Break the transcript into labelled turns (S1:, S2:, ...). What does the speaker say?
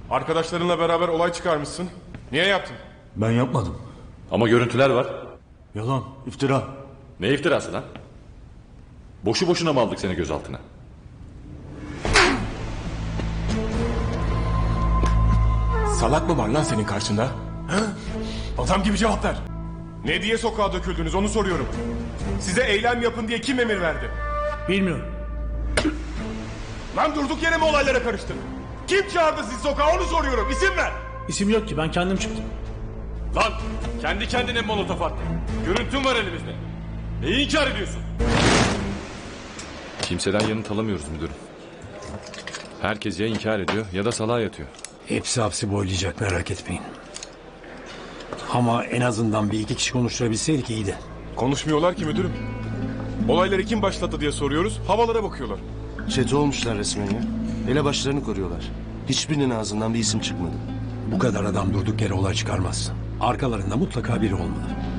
S1: Arkadaşlarınla beraber olay çıkarmışsın. Niye yaptın?
S2: Ben yapmadım.
S3: Ama görüntüler var.
S2: Yalan, iftira.
S3: Ne iftirası lan? Boşu boşuna mı aldık seni gözaltına?
S1: Salak mı var lan senin karşında? Ha? Adam gibi cevap ver. Ne diye sokağa döküldünüz onu soruyorum. Size eylem yapın diye kim emir verdi?
S4: Bilmiyorum.
S1: Lan durduk yere mi olaylara karıştın? Kim çağırdı sizi sokağa onu soruyorum. İsim ver.
S4: İsim yok ki, ben kendim çıktım.
S3: Lan kendi kendine molotof attın. Görüntün var elimizde. Neyi inkar ediyorsun? Kimseden yanıt alamıyoruz müdürüm. Herkes ya inkar ediyor ya da salağa yatıyor.
S5: Hepsi hapsi boylayacak, merak etmeyin. Ama en azından bir iki kişi konuşturabilseydik iyiydi.
S1: Konuşmuyorlar ki müdürüm. Olayları kim başlattı diye soruyoruz. Havalara bakıyorlar.
S6: Çete olmuşlar resmen ya. Elebaşlarını koruyorlar. Hiçbirinin ağzından bir isim çıkmadı.
S5: Bu kadar adam durduk yere olay çıkarmaz. Arkalarında mutlaka biri olmalı.